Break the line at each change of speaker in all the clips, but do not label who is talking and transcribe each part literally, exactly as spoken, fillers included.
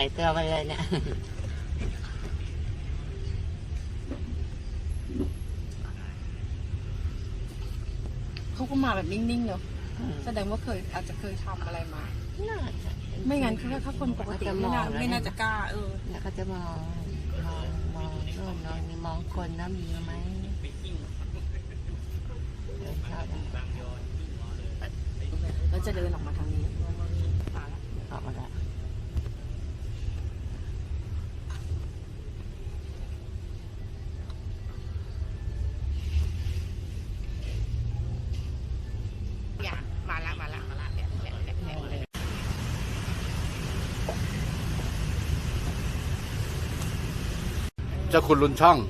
ายตัวไปเลยเนี่ย
เขาก็มาแบบนิ่งๆเนาะแสดงว่าเคยอาจจะเคยทำอะไรมาไม่งั้นคือถ้าคนปกติไม่น่าไม่น่าจะกล้าเออ
แล้วก็จะมองมองมองโน่นมองนี่มองคนนะมีไหม
แล้วจะเดินออกมาทางนี้
ออกมาแล้ว
มาละมาละมาละเนี่ยเนี่ยเนี่ย
เจ้าคุณลุนช่อง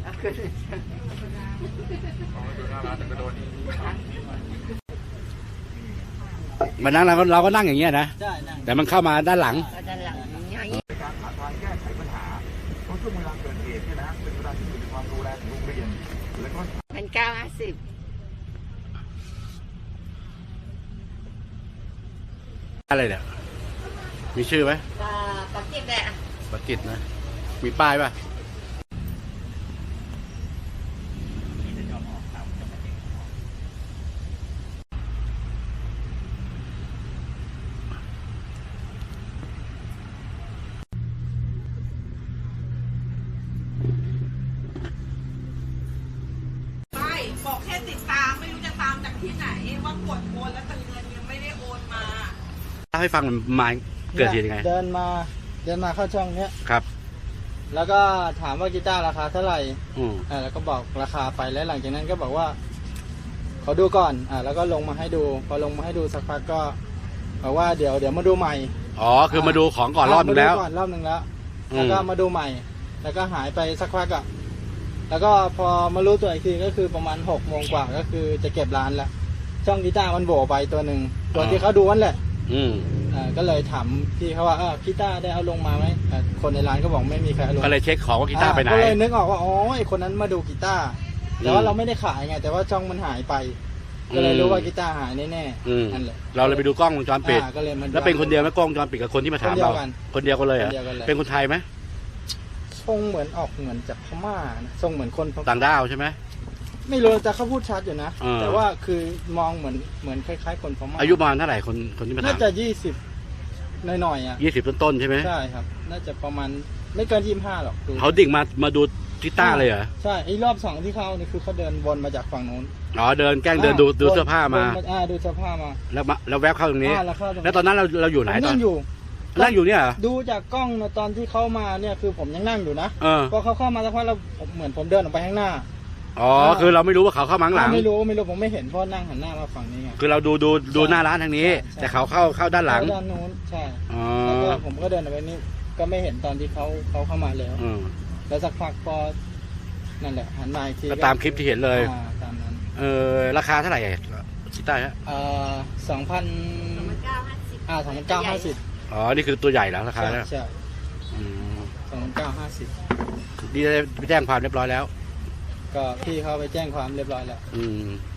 มานั่งเราก็เราก็นั่งอย่างเงี้ยนะแต่มันเข้ามาด้านหลัง
ด้านหลัง
การหาทางแก้ไขปัญหาเพราะช่วงเวลาเกิดเหตุเนี่ยนะเป็นเวลาที่อยู่ในความดูแลของโรงเรียนแล้วก็
เป็นเก้าห้าสิบ
อะไรเนี่ยมีชื่อไหม
ปาปักกิดแหละ
ปักกิดนะมีป้ายป่ะ
บอกแค่ติดตามไม่รู้จะตามจากที่ไหนว่ากดโอนแล้วแต่เงินยังไม่ได้โอนมา
เล่าให้ฟังมันมาเกิดเหตุยังไง
เดินมาเดินมาเข้าช่องเนี้ย
ครับ
แล้วก็ถามว่ากีตาร์ราคาเท่าไหร่
อืม
อ่าแล้วก็บอกราคาไปแล้วหลังจากนั้นก็บอกว่าขอดูก่อนอ่าแล้วก็ลงมาให้ดูพอลงมาให้ดูสักพักก็บอกว่าเดี๋ยวเดี๋ยวมาดูใหม่
อ๋อคือมาดูของก่อนรอบนึงแล้ว
ก่อนรอบนึงแล้วแล้วก็มาดูใหม่แล้วก็หายไปสักพักอ่ะแล้วก็พอมารู้ตัวอีกทีก็คือประมาณหกโมงกว่าก็คือจะเก็บร้านแล้วช่องกีตาร์มันโบไปตัวหนึ่งตัวที่เขาดูนั่นแหละ
อืม
อ่าก็เลยถามพี่เขาว่าเออกีตาร์ได้เอาลงมาไหมคนในร้านก็บอกไม่มีใครเอาลง
ก็เลยเช็คของว่ากีตาร์ไปไหน
ก็เลยนึกออกว่าอ๋อไอคนนั้นมาดูกีตาร์แต่ว่าเราไม่ได้ขายไงแต่ว่าช่องมันหายไปก็เลยรู้ว่ากีตาร์หายแน่ๆนั่นแหละ
เราเลยไปดูกล้องวงจรปิดแล้วเป็นคนเดียวไหมกล้องวงจรปิดกับคนที่มาถามเราคนเดียวกันเลยเหรอเป็นคนไทยไหม
ทรงเหมือนออกเหมือนจากพม่าทรงเหมือนคน
ต่างด้าวใช่ไหม
ไม่รู้แต่เขาพูดชัดอยู่นะแต่ว่าคือมองเหมือนเหมือนคล้ายๆคนพม่า
อายุประมาณเท่าไหร่คนคนที่มาถาม
น่าจะยี่สิบหน่อยๆอ่ะ
ยี่สิบต้นๆใช่ไหม
ใช่ครับน่าจะประมาณไม่เกินยี่สิบห้าหรอก
เขาดิ่งมามาดูกีตาร์เลยเหรอ
ใช่ไอ้รอบสองที่เขานี่คือเขาเดินวนมาจากฝั่งโน้น
อ๋อเดินแกล้งเดินดูดูเสื้อผ้ามา
อ่าดูเสื้อผ้ามา
แล้วมาแล้วแวบเข้าตรงนี้
แล้วเข้าตรงนี้
แล้วตอนนั้นเราเราอยู่ไหนตอน
นั่งอยู่
นั่งอยู่เนี่ย
ดูจากกล้องตอนที่เขามาเนี่ยคือผมยังนั่งอยู่นะพอเขาเข้ามาสักพักเราเหมือนผมเดินออกไปข้างหน้า
อ๋อคือเราไม่รู้ว่าเขาเข้ามาข้างหลัง
ไม่รู้ไม่รู้ผมไม่เห็นเพราะนั่งหันหน้ามาฝั่งนี้ไง
คือเราดูดูดูหน้าร้านทางนี้แต่เขาเข้าเข้าด้านหลัง
ด้านนู้นใช่แล้วก็ผมก็เดินออกไปนี่ก็ไม่เห็นตอนที่เขาเขาเข้ามาแล้วแล้วสักพักพอนั่นแหละหันมาอีกที
ก็ตามคลิปที่เห็นเลย
ตามนั้น
เออราคาเท่าไหร่กีตาร์ฮะ
เอ่อสองพันอ่าสองพันเก้าห้าสิบ
อ๋อนี่คือตัวใหญ่แล้วราคาแล้ว
ใช่สองพันเก้าห้าสิบ
ดีได้ไปแจ้งความเรียบร้อยแล้ว
ก็พี่เขาไปแจ้งความเรียบร้อยแล้ว
อืม